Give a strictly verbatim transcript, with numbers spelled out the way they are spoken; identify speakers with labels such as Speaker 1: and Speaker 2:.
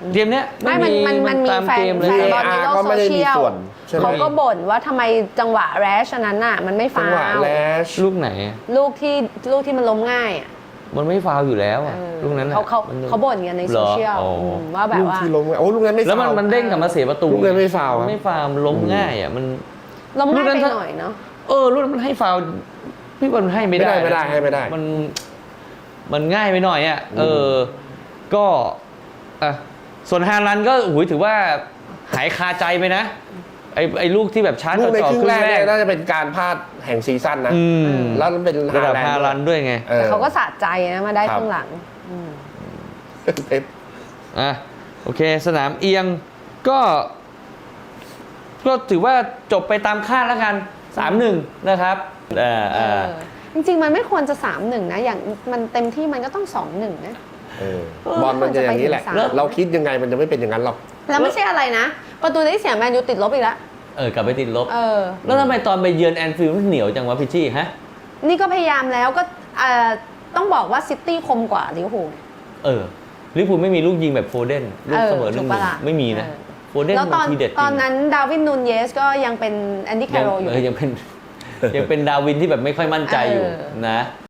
Speaker 1: เกมเนี้ย
Speaker 2: ไม่มันมันมันมีแฟนแฟนบอลในโลกโซเชียลเขาก็บ่นว่าทำไมจังหวะแรชนั้นน่ะมันไม่ฟาว
Speaker 1: ลูกไหน
Speaker 2: ลูกที่ลูกที่มันล้มง่ายอ่ะ
Speaker 1: มันไม่ฟาวอยู่แล้วอ่ะลูกนั้น
Speaker 2: เขาเขาเขาบ่นกันในโซเชียลว่าแบบว่า
Speaker 3: ลูกที่ล้มโอ้ลูกนั้นไม่ฟาว
Speaker 1: แล้วมันมันเด้งกลับมาเสียประตู
Speaker 3: ลูกนั้นไม่ฟาว
Speaker 1: ไม่ฟาวล้มง่ายอ่ะมัน
Speaker 2: ล้มง่ายไปหน่อยเนาะ
Speaker 1: เออลูกนั้นมันให้ฟาวพี่บอลให้ไม่ได้
Speaker 3: ไม่ได้ให้ไม่ได้
Speaker 1: มันมันง่ายไปหน่อยอ่ะเออก็อ่ะส่วนฮาลันก็โอ้ยถือว่าหายคาใจไปนะไอ้ไอ้ลูกที่แบบชาร์จ
Speaker 3: ลูกในครึ่งแรกน่าจะเป็นการพลาดแห่งซีซั่นนะแล้วมันเป็น
Speaker 1: ระดับฮาลันด้วยไง
Speaker 2: แต่เขาก็สะใจนะมาได้ข้างหลัง
Speaker 1: อ่ะโอเคสนามเอียงก็ก็ถือว่าจบไปตามคาดแล้วกัน สามหนึ่ง นะครับอ่าอ่า
Speaker 2: จริงๆมันไม่ควรจะ สามหนึ่ง นะอย่างมันเต็มที่มันก็ต้อง สองหนึ่ง นะ
Speaker 3: บอลมันจะอย่างนี้แหละเราคิดยังไงมันจะไม่เป็นอย่างนั้นหรอก
Speaker 2: แล้วไม่ใช่อะไรนะประตูที่เสียแมนยูติดลบอีกแล้ว
Speaker 1: เออกลับไปติดลบเออแล้วทำไมตอนไปเยือนแอนฟิลด์มันเหนียวจังวะพิชชี่ฮะ
Speaker 2: นี่ก็พยายามแล้วก็ต้องบอกว่าซิตี้คมกว่าลิเวอร์พูล
Speaker 1: เออลิเวอร์พูลไม่มีลูกยิงแบบโฟเดนลูกเสมอหนึ่งไม่มีนะโฟเดนมันทีเด็ด
Speaker 2: ตอนนั้นดาวินนูนเยสก็ยังเป็นแอนดี้แคโรอยู่
Speaker 1: ยังเป็นยังเป็นดาวินที่แบบไม่ค่อยมั่นใจอยู่นะ